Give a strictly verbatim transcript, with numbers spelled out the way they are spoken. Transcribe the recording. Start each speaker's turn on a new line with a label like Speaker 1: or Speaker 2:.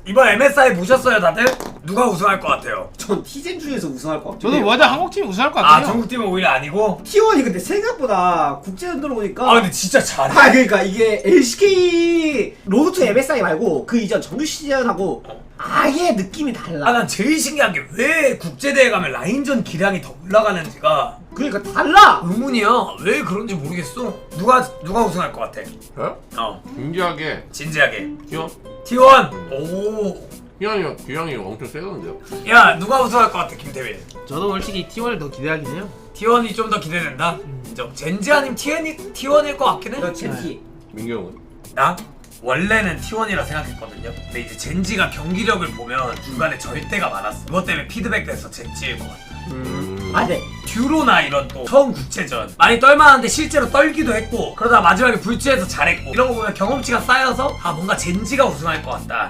Speaker 1: 이번 엠에스아이 보셨어요 다들? 누가 우승할 것 같아요?
Speaker 2: 전 티젠 중에서 우승할 것 같아요.
Speaker 3: 저도 완전 한국팀이 우승할 것
Speaker 1: 아
Speaker 3: 같아요.
Speaker 1: 중국팀은 오히려 아니고?
Speaker 2: 티원이 근데 생각보다 국제전 들어오니까
Speaker 1: 아 근데 진짜 잘해.
Speaker 2: 아 그러니까 이게 엘씨케이 로드 투 엠에스아이 말고 그 이전 정규 시즌하고 아예 느낌이 달라.
Speaker 1: 아 난 제일 신기한 게 왜 국제대회 가면 라인전 기량이 더 올라가는지가
Speaker 2: 그러니까 달라.
Speaker 1: 의문이야. 왜 그런지 모르겠어. 누가 누가 우승할 것 같아?
Speaker 4: 에?
Speaker 1: 어
Speaker 4: 진지하게
Speaker 1: 진지하게.
Speaker 4: 티원?
Speaker 1: 티원. 오.
Speaker 4: 기량이 기량이 엄청 세던데요.
Speaker 1: 야 누가 우승할 것 같아 김태민?
Speaker 3: 저도 솔직히 티원을 더 기대하긴 해요.
Speaker 1: 티원이 좀 더 기대된다. 인정. 젠지 아님 티원이 티원일 것 같긴 해.
Speaker 2: 나 젠티.
Speaker 4: 민규 형은?
Speaker 1: 나 원래는 티원이라 생각했거든요. 근데 이제 젠지가 경기력을 보면 중간에 절대가 많았어. 그것 때문에 피드백돼서 젠지일 것 같아.
Speaker 4: 음.
Speaker 2: 아 네.
Speaker 1: 듀로나 이런 또 처음 국제전 많이 떨만한데 실제로 떨기도 했고 그러다 마지막에 불치해서 잘했고 이런 거 보면 경험치가 쌓여서 아 뭔가 젠지가 우승할 것 같다